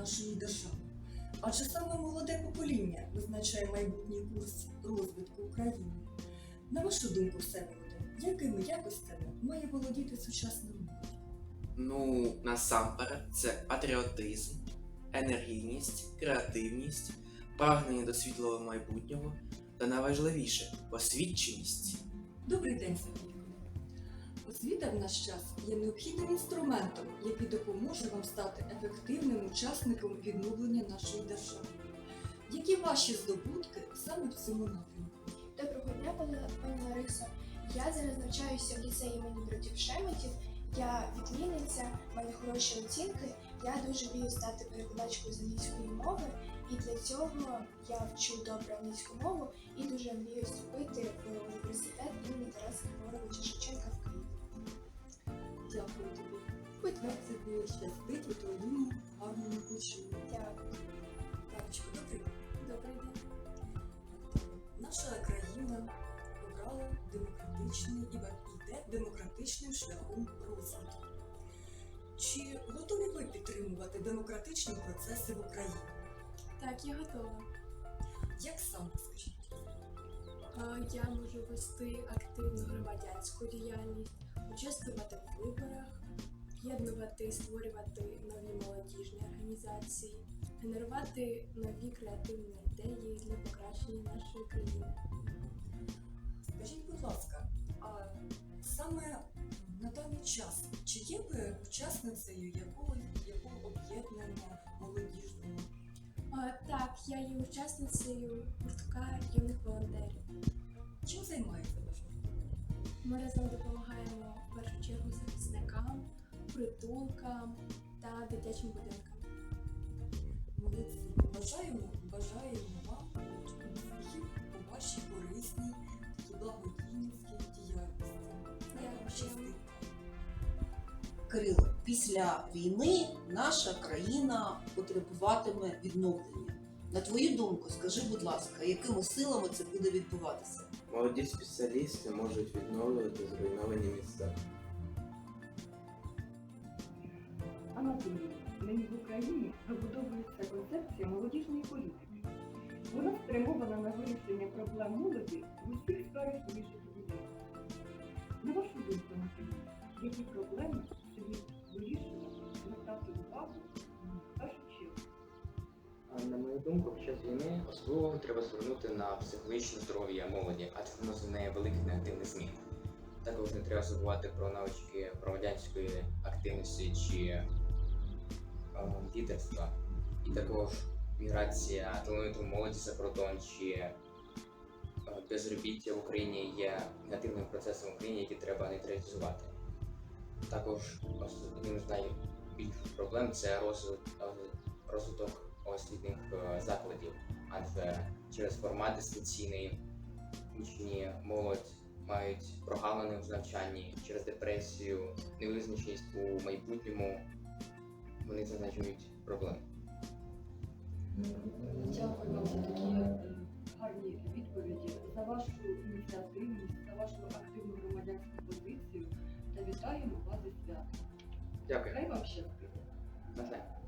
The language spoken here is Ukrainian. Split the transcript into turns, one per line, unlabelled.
нашої держави. Адже саме молоде покоління визначає майбутній курс розвитку України. На вашу думку, Всеволоде, якими якостями має володіти сучасна молодь?
Ну, насамперед, це патріотизм, енергійність, креативність, прагнення до світлого майбутнього та найважливіше освіченість.
Добрий день, Сергійко. Освіта в наш час є необхідним інструментом, який допоможе вам стати ефективним учасником відновлення нашої держави. Які ваші здобутки саме в цьому напрямку?
Доброго дня, пані Ларисо. Я зараз навчаюся в ліцеї імені братів Шеметів. Я відмінниця, в мене хороші оцінки. Я дуже мрію стати перекладачкою з англійської мови, і для цього я вчу добре англійську мову і дуже мрію вступити в університет імені Тараса Григоровича Шевченка в Києві.
Дякую тобі. Будь ласка, щастить у твоєму гарному починку.
Дякую.
Танечко, добрий день.
Добрий день.
Наша країна обрала демократичний і йде демократичним шляхом розвитку. Чи готові ви підтримувати демократичні процеси в Україні?
Так, я готова.
Як саме, скажіть?
Я можу вести активну громадянську діяльність, участвувати в виборах, об'єднувати, створювати нові молодіжні організації, генерувати нові креативні ідеї для покращення нашої країни.
Скажіть, будь ласка, а саме на даний час, чи є ви учасницею якого об'єднання молодіжного?
Так, я є учасницею гуртка юних волонтерів.
Чим займається ваш гурток?
Ми разом допомагаємо в першу чергу захисникам, притулкам та дитячим будинкам.
Молодці. Бажаємо вам успіхів у вашій корисній і благодійницькій діяльності. Хай вам щастить.
Кирило, після війни наша країна потребуватиме відновлення. На твою думку, скажи, будь ласка, якими силами це буде відбуватися?
Молоді спеціалісти можуть відновлювати зруйновані міста.
Анатолій, нині в Україні вибудовується концепція молодіжної політики. Вона спрямована на вирішення проблем молоді в усіх сферах її життєдіяльності. На вашу думку, Анатолій, які проблеми слід вирішувати, звертати увагу в першу чергу?
На мою думку, під час війни особливо треба звернути на психологічне здоров'я молоді, адже воно зазнає великих негативних змін. Також не треба забувати про навички громадянської активності чи лідерства. І також міграція талановитої молоді за кордон чи безробіття в Україні є негативним процесом в Україні, який треба нейтралізувати. Також одним з найбільших проблем це розвиток освітніх закладів, адже через формат дистанційний учні, молодь мають прогалини в навчанні, через депресію, невизначеність у майбутньому вони зазначують проблеми.
Дякую вам за такі гарні відповіді, за вашу ініціативність, за вашу активну громадянську позицію та вітаємо вас зі святом.
Дякую.
Хай вам щастить.
На все.